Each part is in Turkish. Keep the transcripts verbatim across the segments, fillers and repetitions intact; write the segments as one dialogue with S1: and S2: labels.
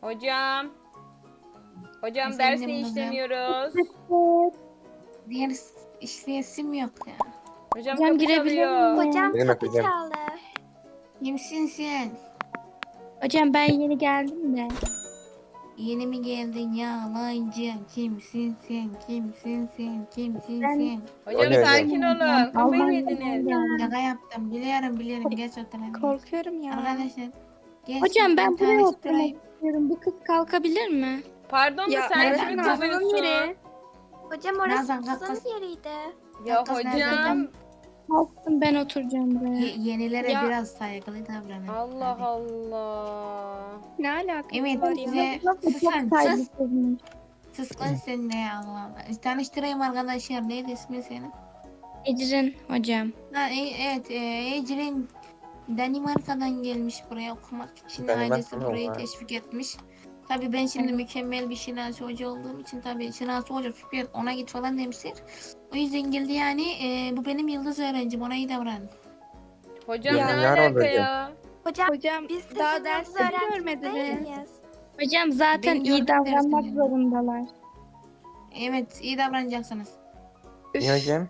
S1: Hocam. Hocam ders
S2: Efendim
S1: ne
S2: kızım?
S1: işlemiyoruz?
S2: Diğer işleyesim yok ya.
S1: Hocam
S3: Hocam
S1: kapı
S3: girebilir
S1: çalıyor.
S3: miyim?
S4: Hocam
S5: Benim
S4: kapı
S5: hocam.
S4: çaldı.
S2: Kimsin sen?
S3: Hocam ben yeni geldim de.
S2: Yeni mi geldin yalancı? Kimsin sen? Kimsin sen? Kimsin
S3: Ben-
S2: sen?
S1: Hocam
S5: Hocam.
S1: sakin olun. Kafayı mı
S3: Almanya'dan
S1: yediniz?
S3: geldim.
S2: Şaka yaptım. Biliyorum biliyorum. Geç oturalım.
S3: Korkuyorum ya.
S2: Arkadaşlar. Geç,
S3: Hocam ben buraya oturmak
S2: tanıştırayım.
S3: istiyorum. Bu kız kalkabilir mi?
S1: Pardon da
S3: Ya,
S1: sen
S2: evet,
S1: kimi
S2: Nazan'ın
S1: kovuyorsun?
S4: Hocam orası
S2: Nazan, kalk
S4: kızın
S2: kız.
S4: yeriydi.
S1: Ya
S2: Kız
S1: hocam.
S2: nereden?
S3: Kalktım ben oturacağım buraya.
S2: Ye- yenilere
S3: Ya.
S2: biraz saygılı davranın.
S1: Allah
S2: Hadi.
S1: Allah.
S3: Ne alakası
S2: Evet
S3: var ya?
S2: bize
S3: Nasıl
S2: sus
S3: çok
S2: lan sus.
S3: saygısızmış.
S2: Sus lan sen de ya Allah Allah. Tanıştırayım arkadaşlar. Neydi ismi senin?
S3: Ecrin hocam.
S2: Ha, e- evet e, Ecrin Danimarka'dan gelmiş buraya okumak için.
S5: Danimarka
S2: Ailesi
S5: mı
S2: burayı
S5: o?
S2: teşvik etmiş. Tabii ben şimdi mükemmel bir Şinasi Hoca olduğum için tabii Şinasi Hoca süper ona git falan demişler. O yüzden geldi yani e, bu benim yıldız öğrencim ona iyi davran.
S1: Hocam
S3: Ya,
S1: ne
S5: yar
S1: alaka
S5: olacak.
S1: ya?
S4: Hocam
S3: Hocam
S4: biz sizin
S3: daha
S4: yıldız
S3: derste
S4: öğrenciniz
S3: görmediniz.
S4: değil miyiz?
S3: Hocam zaten
S2: Beni
S3: iyi
S2: gördün
S3: davranmak
S2: dersin.
S3: zorundalar.
S2: Evet iyi davranacaksınız.
S5: İyi hocam.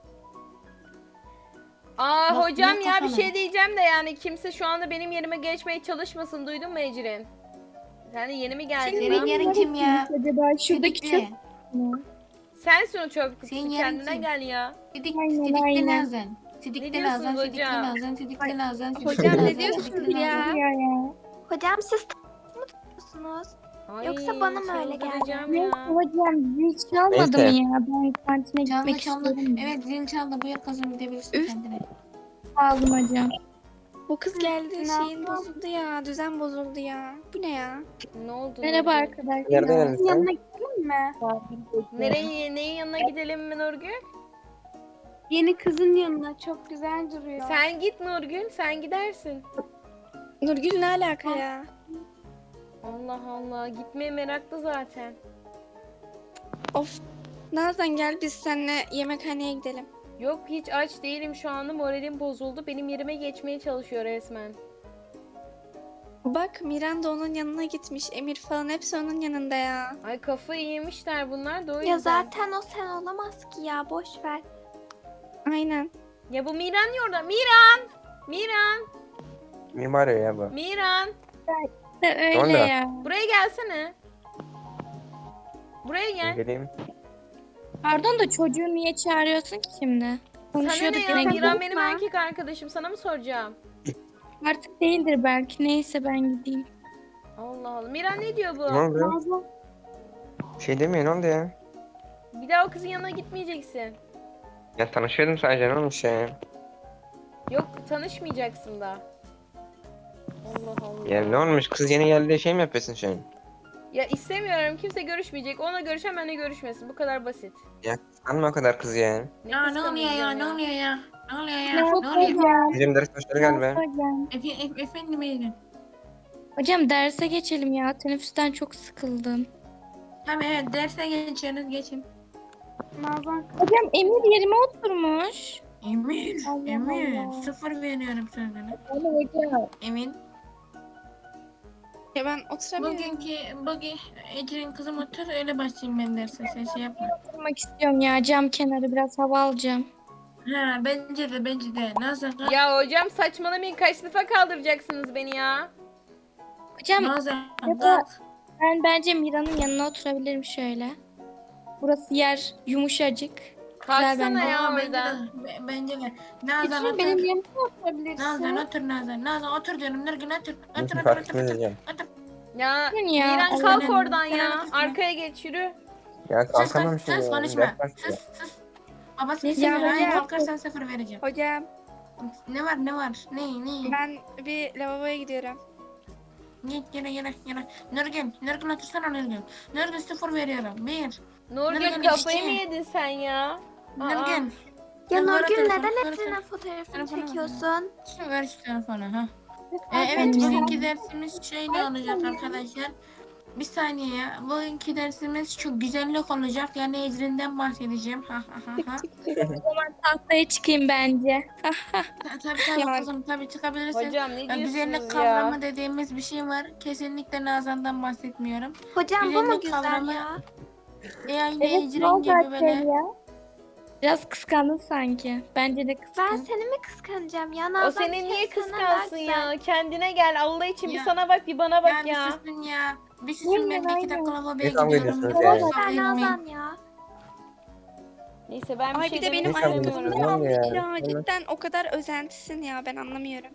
S1: Aa
S2: Bak,
S1: hocam
S2: ne
S1: ya bir
S2: kafalı.
S1: şey diyeceğim de yani kimse şu anda benim yerime geçmeye çalışmasın. Duydun mu Ecrin? Sen de yeni mi geldin?
S2: Senin
S1: lan?
S2: yerin kim ya?
S3: Acaba şuradaki
S2: Sidikli.
S3: çöp mü?
S1: Sensin o çöp kutusu.
S2: Senin yerin
S1: Kendine
S2: kim?
S1: gel ya.
S2: Sidik,
S3: Aynen,
S2: sidikli
S3: aynen.
S2: Nazan.
S1: Ne
S2: Sidikli
S1: diyorsunuz
S2: Nazan, sidikli
S1: hocam?
S2: Nazan, sidikli Nazan, sidikli
S3: Hocam
S2: Nazan,
S3: ne diyorsunuz
S2: sidikli
S3: ya?
S2: Nazan.
S3: Ya ya.
S4: Hocam siz t- mı tutuyorsunuz?
S1: Ay,
S4: Yoksa bana mı öyle geldi?
S1: çıldıracağım
S3: Neyse
S1: ya.
S3: hocam zil çalmadı
S5: Neyse.
S3: mı ya? Ben kantine
S2: Çaldı
S3: gitmek
S2: çaldı.
S3: istiyorum.
S2: Evet zil çaldı. Buyur kızım gidebilirsin
S6: Üf.
S2: kendine.
S3: Sağ olun hocam.
S6: Bu kız geldi
S4: Ne
S6: şeyin
S4: yapalım?
S6: bozuldu ya. Düzen bozuldu ya. Bu ne ya?
S1: Ne oldu?
S3: Merhaba
S1: Nurgül?
S3: arkadaşlar.
S5: Nereden geldin sen?
S4: Yanına gidelim mi?
S1: Nereye, neyin yanına gidelim mi Nurgül?
S4: Yeni kızın yanına çok güzel duruyor.
S1: Sen git Nurgül, sen gidersin.
S6: Nurgül ne alaka ya?
S1: Allah Allah, gitmeye meraklı zaten.
S6: Of. Nazan gel biz seninle yemekhaneye gidelim.
S1: Yok hiç aç değilim şu anda, moralim bozuldu. Benim yerime geçmeye çalışıyor resmen.
S6: Bak Miran da onun yanına gitmiş. Emir falan hepsi onun yanında ya.
S1: Ay kafayı yemişler bunlar da o yüzden.
S4: Ya zaten o sen olamaz ki ya boş ver.
S6: Aynen.
S1: Ya bu Miran niye orada? Miran! Miran!
S5: Mimar ya bu.
S1: Miran!
S3: De öyle
S5: Sonra?
S3: ya.
S1: Buraya gelsene. Buraya gel.
S5: Geleyim.
S3: Pardon da çocuğu niye çağırıyorsun ki şimdi?
S1: Sana
S3: Konuşuyorduk
S1: ne ya?
S3: yine.
S1: Miran benim erkek arkadaşım. Sana mı soracağım?
S3: Artık değildir belki. Neyse ben gideyim.
S1: Allah Allah. Miran ne diyor
S5: Ne
S1: bu?
S5: oldu? Bir şey demiyor ne oldu ya?
S1: Bir daha o kızın yanına gitmeyeceksin.
S5: Ya tanışıyordum sadece ne olmuş ya?
S1: Yok tanışmayacaksın da. Allah Allah.
S5: Ya ne olmuş kız yeni geldi şey mi yapıyorsun şu an?
S1: Ya istemiyorum, kimse görüşmeyecek. Ona görüşen benimle görüşmesin. Bu kadar basit.
S5: Ya kıskanma o kadar kız ya.
S1: Ne
S2: Ya ne oluyor ya?
S1: kıskanacağım
S2: Ne oluyor ya? Ne oluyor ya?
S3: Ne
S2: Ne
S3: oldu
S2: oluyor?
S3: hocam?
S5: Bizim ders başladı galiba.
S3: Hocam.
S2: Efe, efe, efendim Eylül.
S3: Hocam derse geçelim ya. Teneffüsten çok sıkıldım.
S2: Tamam evet derse geçiyorsunuz geçin.
S4: Nazan
S3: Hocam Emir yerime oturmuş.
S2: Emin,
S3: Allah
S2: Emin.
S3: Allah.
S2: Sıfır veriyorum sözüne.
S3: Ama hocam.
S2: Emin.
S6: Ya ben oturamıyorum.
S2: Bugünkü, bugün Ecrin kızım otur öyle başlayayım ben derse sen şey yapma.
S3: Oturmak istiyorum ya. Cam kenarı biraz hava alacağım.
S2: Ha bence de bence de. Nazan kalk.
S1: Ya hocam saçmalamayın. Kaç defa kaldıracaksınız beni ya?
S3: Hocam
S2: Nazan
S3: ya da-
S2: kalk.
S3: ben bence Mira'nın yanına oturabilirim şöyle. Burası yer yumuşacık.
S1: Kalksana
S3: bence.
S1: ya
S2: Aa, bence de,
S1: oradan.
S2: be- bence de. Nazan
S4: Ecrin
S2: otur.
S4: benim yanıma oturabilirsin.
S2: Nazan otur Nazan. Nazan otur diyorum. Nurgül otur. Otur
S5: Biz
S2: otur otur
S5: farklı
S2: otur. Otur.
S5: diyeceğim.
S2: otur.
S1: Ya
S3: Bugün ya,
S1: Miran
S3: Allah
S1: kalk
S2: Allah.
S1: oradan
S2: Sen
S1: ya.
S2: otur.
S1: Arkaya geç yürü.
S5: Ya
S2: Sus
S5: kalkamam
S2: sus
S5: şimdi.
S2: sus
S5: ya.
S2: konuşma.
S5: Ders başlıyor.
S2: Sus sus. Babası
S3: Ne
S2: bir sefer
S6: hocam?
S2: hayır kalkarsan sıfır vereceğim.
S6: Hocam
S2: Ne var ne var? Ne ne?
S6: ben bir lavaboya gidiyorum.
S2: Git yine yine yine. Nurgül. Nurgül otursana Nurgül. Nurgül sıfır veriyorum. Bir.
S1: Nurgül
S2: Nurgül
S1: kafayı
S2: işte.
S1: mı yedin sen ya? Aa.
S2: Nurgül.
S4: Ya
S2: Sen bana
S4: Nurgül
S2: telefonu-
S4: neden
S2: bana
S4: Ecrin'in
S2: telefonu-
S4: fotoğrafını
S2: telefonu ver.
S4: çekiyorsun?
S2: Şu ver şu telefonu ha. Ee,
S4: Ay,
S2: evet
S4: ben-
S2: bugünkü dersimiz şöyle olacak arkadaşlar. Bir saniye ya. Bugünkü dersimiz çok güzellik olacak. Yani Ecrin'den bahsedeceğim. Ha ha ha ha.
S3: Tahtaya çıkayım bence.
S2: Ta- Tabii tabii
S6: Yani-
S2: kızım tabii çıkabilirsin.
S1: Hocam ne
S2: Ya, güzellik
S1: diyorsunuz
S2: kavramı
S1: ya?
S2: dediğimiz bir şey var. Kesinlikle Nazan'dan bahsetmiyorum.
S6: Hocam bu mu
S2: Güzellik
S6: güzel
S2: kavramı-
S6: ya?
S2: E aynı
S3: Evet, ne
S2: Ecrin
S3: oldu
S2: gibi böyle.
S3: Açelya? Biraz kıskandın sanki. Bence de
S6: Ben
S3: kıskan.
S6: seni mi kıskanacağım ya?
S1: O
S6: Nazan
S1: seni
S6: bir kere
S1: niye
S6: senden daha
S1: kıskansın
S6: güzel.
S1: ya? Kendine gel Allah için bir
S2: Ya.
S1: sana bak bir bana bak
S2: Ya bir
S1: ya.
S2: susun ya. Bir susun ben bir iki dakika lavaboya
S5: Ne kavga
S2: gidiyorum.
S5: ediyorsunuz
S2: Lütfen
S5: ya?
S6: Ben
S2: kavga etmeyin.
S6: Nazan ya.
S1: Neyse ben bir
S6: Ay
S1: şey
S6: bir de
S1: demek
S6: benim
S5: Ne kavga
S1: istemiyorum.
S5: ediyorsunuz?
S6: ayağımı
S5: Ne oldu
S6: almış
S5: ya?
S6: ya. Cidden o kadar özentisin ya ben anlamıyorum.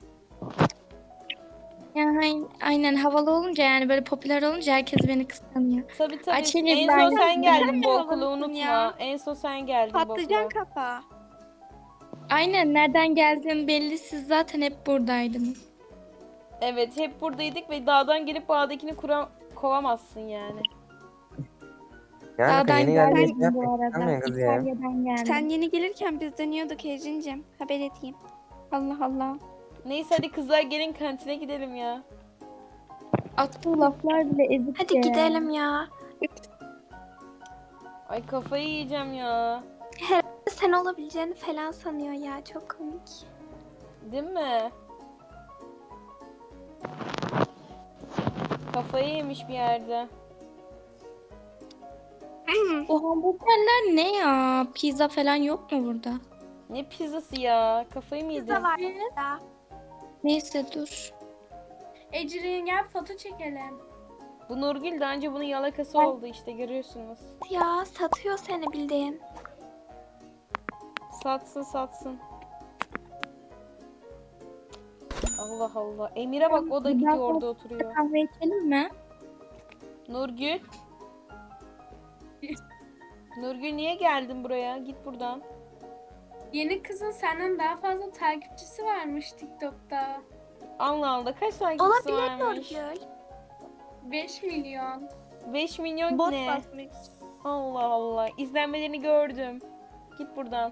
S3: Yani aynen havalı olunca yani böyle popüler olunca herkes beni kıskanıyor.
S1: Tabii tabii.
S3: Açeli
S1: En
S3: ben-
S1: son sen geldin
S6: Sen
S1: bu
S6: de
S1: okula
S6: havalısın
S1: unutma.
S6: ya.
S1: En son sen geldin bu
S6: Patlıcan
S1: okula.
S6: kafa.
S3: Aynen nereden geldiğim belli, siz zaten hep buradaydınız.
S1: Evet hep buradaydık ve dağdan gelip bağdakini kura kovamazsın yani.
S5: Yani
S3: Dağdan
S5: yeni geldiniz.
S3: gelmedim bu
S5: Yapmayın
S3: arada.
S5: yapmayın kız ya.
S3: İtalya'dan geldim.
S6: Sen yeni gelirken biz dönüyorduk Ecrin'cim. Haber edeyim. Allah Allah.
S1: Neyse hadi kızlar gelin kantine gidelim ya.
S3: Attığı laflar bile ezik
S6: Hadi
S3: ya.
S6: gidelim ya.
S1: Ay kafayı yiyeceğim ya.
S6: Sen olabileceğini falan sanıyor ya. Çok komik.
S1: Değil mi? Kafayı yemiş bir yerde.
S3: Bu hamburgerler ne ya? Pizza falan yok mu burada?
S1: Ne pizzası ya? Kafayı mı yedin?
S6: Pizza var ya.
S3: Neyse dur.
S4: Ecrin gel foto çekelim.
S1: Bu Nurgül daha önce bunun yalakası oldu işte görüyorsunuz.
S6: Ya satıyor seni bildiğin.
S1: Satsın satsın. Allah Allah. Emir'e bak o da gidiyor orada oturuyor.
S3: Kahve içelim mi?
S1: Nurgül. Nurgül niye geldin buraya? Git buradan.
S4: Yeni kızın senden daha fazla takipçisi varmış TikTok'ta.
S1: Allah Allah kaç takipçisi
S6: Olabilir
S1: varmış?
S6: Nurgül.
S4: beş milyon.
S1: beş milyon
S6: Bot
S1: ne?
S6: basmış.
S1: Allah Allah. İzlenmelerini gördüm. Git buradan.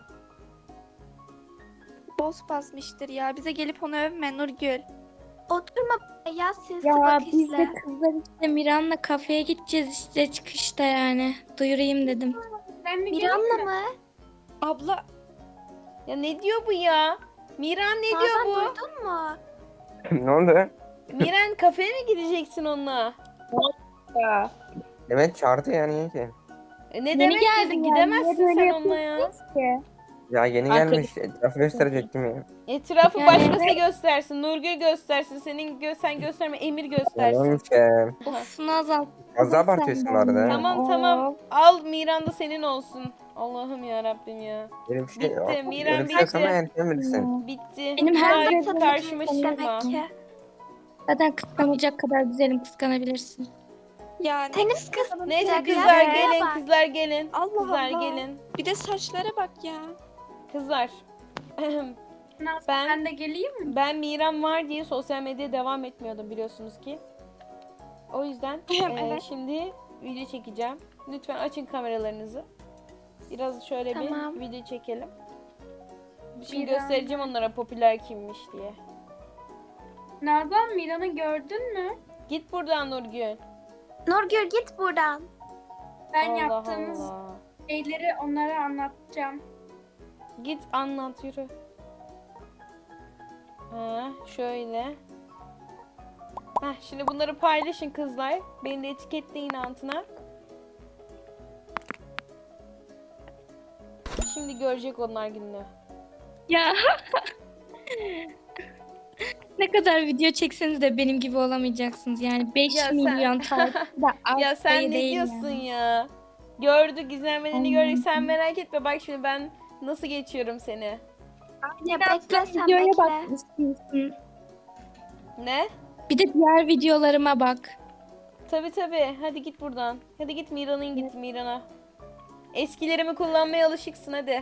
S6: Boss basmıştır ya. Bize gelip onu övme Nurgül. Oturma ya sinsi
S3: Ya
S6: bak
S3: biz de
S6: izle.
S3: kızlar işte Miran'la kafeye gideceğiz işte çıkışta yani. Duyurayım dedim.
S4: Ben de geleyim
S6: Miran'la
S4: mi?
S6: mı? Abla
S1: Ya ne diyor bu ya? Miran ne diyor
S6: Nazan
S1: bu?
S6: duydun mu?
S5: Ne oldu?
S1: Miran kafeye mi gideceksin onunla?
S5: Demet çağırdı ya niye ki?
S1: E ne
S3: Yeni
S1: demek
S3: geldin
S1: gidin?
S3: yani,
S1: Gidemezsin
S3: niye böyle
S1: sen onunla ya.
S3: Ki.
S5: Ya yeni
S1: Arkadaş-
S5: gelmiş. Etrafı gösterecektim ya.
S1: Etrafı
S3: Yani
S1: başkası
S3: evet.
S1: göstersin. Nurgül göstersin. Senin gö sen gösterme. Emir göstersin.
S5: Yalanmış ya.
S3: Of Nazan.
S5: Fazla abartıyorsun bu arada.
S1: Tamam tamam. Al Miran da senin olsun. Allah'ım ya Rabbim ya.
S5: Öyle bir şey
S1: Bitti,
S5: yok.
S1: Miran
S5: Öyle bir şey yok ama
S1: bitti.
S5: yani sen bilirsin.
S1: Bitti.
S3: Benim
S1: Bir
S3: her
S1: daha
S3: gün
S1: karşıma
S6: Satıcıymış
S1: çıkma.
S6: demek ki.
S3: Zaten kıskanacak kadar güzelim, kıskanabilirsin.
S6: Yani tenis kız.
S1: Neyse
S6: Ya,
S1: kızlar
S6: ya,
S1: gelin,
S6: bak.
S1: kızlar gelin.
S6: Allah
S1: Kızlar
S6: Allah.
S1: gelin.
S6: Bir de saçlara bak ya.
S1: Kızlar.
S4: Naz,
S1: Ben-
S4: ben de geleyim mi?
S1: Ben Miran var diye sosyal medyaya devam etmiyordum biliyorsunuz ki. O yüzden eee,
S6: Evet.
S1: şimdi video çekeceğim. Lütfen açın kameralarınızı. Biraz şöyle
S6: Tamam.
S1: bir video çekelim. Şimdi
S4: Miran.
S1: göstereceğim onlara popüler kimmiş diye.
S4: Nazan Miran'ı gördün mü?
S1: Git buradan Nurgül.
S6: Nurgül git buradan.
S4: Ben
S1: Allah
S4: yaptığınız
S1: Allah.
S4: şeyleri onlara anlatacağım.
S1: Git anlat yürü. Ha, şöyle. Heh, şimdi bunları paylaşın kızlar. Beni de etiketleyin altına. Şimdi görecek onlar gününü.
S3: Ya. Ne kadar video çekseniz de benim gibi olamayacaksınız. Yani beş
S1: Ya sen-
S3: milyon takipçi de az
S1: Ya sen
S3: sayı
S1: ne
S3: değil
S1: diyorsun
S3: yani.
S1: ya? Gördük izlenmelerini
S3: Allah'ım.
S1: gördük. Sen merak etme bak şimdi ben nasıl geçiyorum seni.
S6: Ya
S3: Biraz
S6: bekle sen
S3: videoya
S6: bekle.
S3: bak istiyorsun.
S1: Ne?
S3: Bir de diğer videolarıma bak.
S1: Tabi tabi. Hadi git buradan. Hadi git Miran'ın git Miran'a. Eskilerimi kullanmaya alışıksın hadi.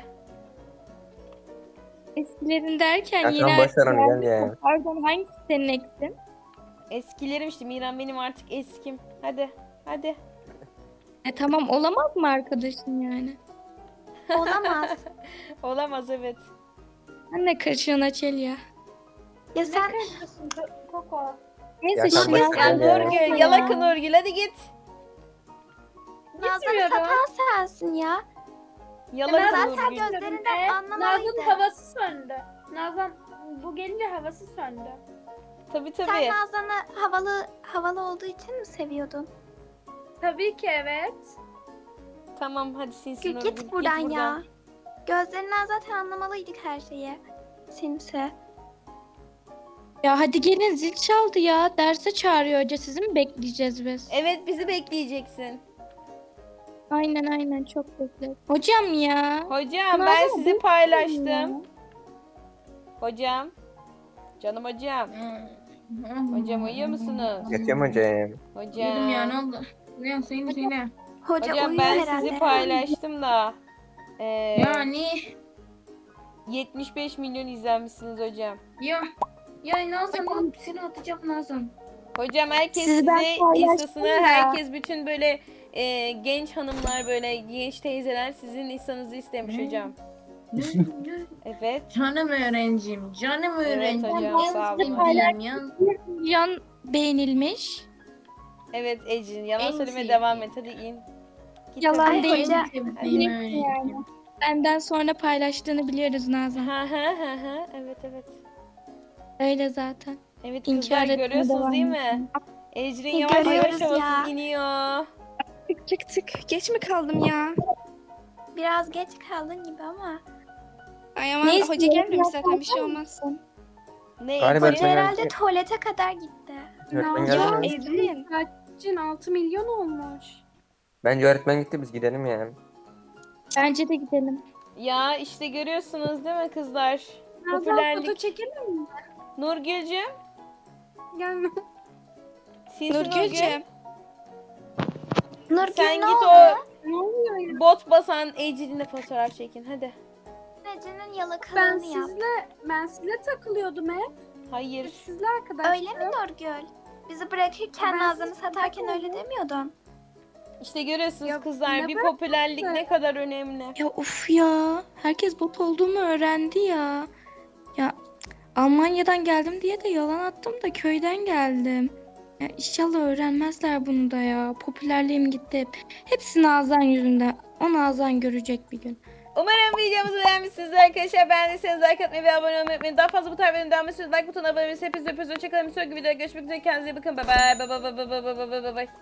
S3: Eskilerin derken
S5: Ya
S3: yine...
S5: tamam, boş ver onu, gel ya.
S3: Pardon, hangisi senin eksin?
S1: Eskilerim işte Miran benim artık eskim. Hadi. Hadi.
S3: E tamam, olamaz mı arkadaşın yani?
S6: Olamaz.
S1: Olamaz evet.
S3: Sen ne karışıyorsun Açelya?
S6: Ya sen
S4: Koko.
S3: Neyse
S5: Ya sen
S3: şimdi
S5: boş ver
S1: Ya
S5: ya.
S1: Nurgül, yalak Nurgül, hadi git.
S6: Nazan'ı
S4: Gitmiyorum.
S6: satan sensin ya.
S1: Yalak
S6: Nazan
S1: Nurgül.
S6: sen gözlerinden anlamalıydı.
S4: Nazan'ın havası söndü. Nazan bu gelince havası söndü.
S1: Tabii
S6: Sen
S1: tabii.
S6: Nazan'ı havalı havalı olduğu için mi seviyordun?
S4: Tabii ki evet.
S1: Tamam hadi sinsi
S6: Gül
S1: Nurgül.
S6: git buradan ya. Gözlerinden zaten anlamalıydık her şeyi. Sinsi.
S3: ya hadi gelin zil çaldı ya. Derse çağırıyor hoca. Sizi mi bekleyeceğiz biz?
S1: Evet, bizi bekleyeceksin.
S3: Aynen aynen çok bekle. Hocam ya.
S1: Hocam
S3: Nazan,
S1: ben sizi
S3: ya.
S1: paylaştım. Hocam. Canım hocam. Hocam uyuyor musunuz?
S5: Yatıyorum hocam.
S2: Yedim ya ne
S1: Hocam.
S2: oldu? Ne söyle söyle.
S6: Hoca,
S1: Hocam
S6: uyuyor
S1: ben
S6: herhalde.
S1: sizi paylaştım da. Ee,
S2: Yani
S1: yetmiş beş milyon izlenmişsiniz hocam.
S2: ya ya Nazan seni atacağım Nazan.
S1: Hocam herkes
S3: Sizi ben
S1: sizi
S3: paylaştım
S1: instasını,
S3: ya.
S1: herkes bütün böyle e, genç hanımlar, böyle genç teyzeler sizin instanızı istemiş
S2: Hmm.
S1: hocam. Evet.
S2: Canım öğrencim, canım
S1: Evet
S2: öğrencim.
S1: hocam,
S2: En
S1: sağ olun.
S2: sevdiğim ya.
S3: Milyon beğenilmiş.
S1: Evet Ecin, yalan
S2: En
S1: söylemeye
S2: sevdiğim.
S1: devam et, hadi in. Git
S3: Yalan
S1: hadi.
S6: Ay,
S3: değil.
S6: hoca-
S2: En
S1: Hadi.
S2: sevdiğim öğrencim.
S3: Benden sonra paylaştığını biliyoruz Nazan.
S1: Ha ha ha ha. Evet evet.
S3: Öyle zaten.
S1: Evet
S3: İnkar
S1: kızlar
S3: etmeye
S1: görüyorsunuz
S3: devam
S1: değil mi? Ecrin yavaş yavaş
S6: Görüyoruz ya.
S1: havasız iniyor.
S6: Tık tık tık. Geç mi kaldım ya? Biraz geç kaldın gibi ama. Ay aman
S3: Neyse,
S6: hoca gelmemiş zaten bir
S3: yapsam
S6: şey olmaz.
S1: Ne
S5: Galiba
S1: Ecrin?
S6: Hoca
S5: öğretmen
S6: herhalde
S5: geldi.
S6: tuvalete kadar gitti.
S5: Öğretmen
S4: Ya
S5: geldi mi?
S6: Evliyim.
S4: Saçın altı milyon olmuş.
S5: Bence öğretmen gitti, biz gidelim yani.
S3: Bence de gidelim.
S1: Ya işte görüyorsunuz değil mi kızlar?
S4: Nazan foto
S1: Popülerlik.
S4: çekelim mi?
S1: Nurgül'cüm.
S4: Gelme.
S1: Sinsi Nurgül.
S6: Nurgül'cüm. Nurgül
S1: Sen
S6: ne
S1: git
S6: oldu?
S1: o bot basan Ecrin'le fotoğraf çekin hadi.
S6: Ece'nin
S4: Ben
S6: yalakalığını yap.
S4: sizle ben sizle takılıyordum hep.
S1: Hayır.
S4: Sizle arkadaşlar.
S6: Öyle mi Nurgül? Bizi bırakırken
S4: Ben
S6: Nazan'ı
S4: siz-
S6: satarken öyle demiyordun.
S1: İşte görüyorsunuz
S4: Ya,
S1: kızlar,
S4: ne
S1: bir
S4: bıraktın
S1: popülerlik
S4: sen?
S1: ne kadar önemli.
S3: Ya of ya. Herkes bot olduğumu öğrendi ya. Ya Almanya'dan geldim diye de yalan attım da köyden geldim. Ya inşallah öğrenmezler bunu da ya. Popülerliğim gitti hep. Hepsi Nazan yüzünden. O Nazan görecek bir gün.
S1: Umarım videomuzu beğenmişsinizdir arkadaşlar. Beğendiyseniz like atmayı ve abone olmayı unutmayın. Daha fazla bu tarz videoların devam etmesi like butonuna abone olmayı. Hepinizi öpüyoruz. Hoşçakalın. Bir sonraki videoda görüşmek üzere. Kendinize iyi bakın. Bye bye. Bye bye bye bye bye bye bye bye.